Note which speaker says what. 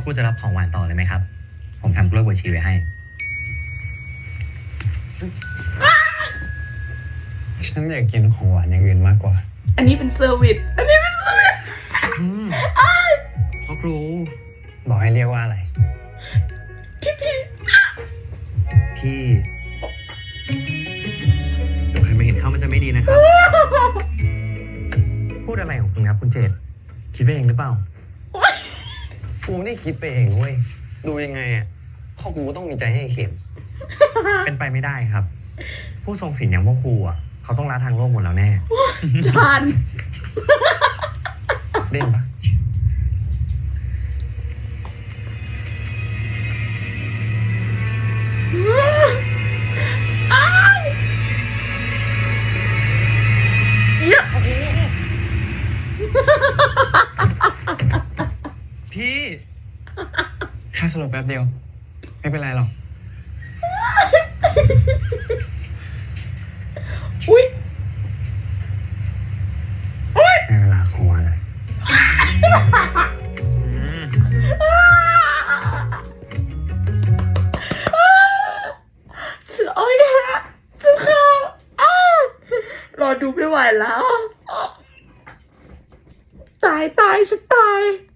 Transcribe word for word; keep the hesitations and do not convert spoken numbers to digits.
Speaker 1: คุณจะรับของหวานต่อเลยไหมครับ ผมทำกล้วยบวชชีไว้ให้
Speaker 2: ฉันอยากกินของหวานอย่างอื่นมากกว่า
Speaker 3: อันนี้เป็นเซอร์วิสอันนี้เป็นเซอร์วิส
Speaker 1: พ่อครู
Speaker 2: บอกให้เรียกว่าอะไร
Speaker 3: พี่พี่
Speaker 1: พี่เดี๋ยวใครมาเห็นเข้ามันจะไม่ดีนะครับ พูดอะไรของคุณครับคุณเจตคิดไปเองหรือเปล่า
Speaker 2: กูไม่ได้คิดไปเองเว้ย ดูยังไงอ่ะพ่อกูต้องมีใจให้เข็ม
Speaker 1: เป็นไปไม่ได้ครับ ผู้ทรงศีลอย่างพวกครูอ่ะเขาต้องละทางโลกหมดแล้วแน่
Speaker 3: จาน
Speaker 2: เล่นปะ
Speaker 3: อ้าวเหี้ย
Speaker 2: พี่แค่สลบแป๊บเดียว ไม่เป็นไรหรอก
Speaker 3: อุ้ยอุ้ย
Speaker 2: ในเวลาของวัน
Speaker 3: ฉันโอ้ยฮะฉันเข้าอ้าวรอดูไม่ไหวแล้ว ตายตายฉันตาย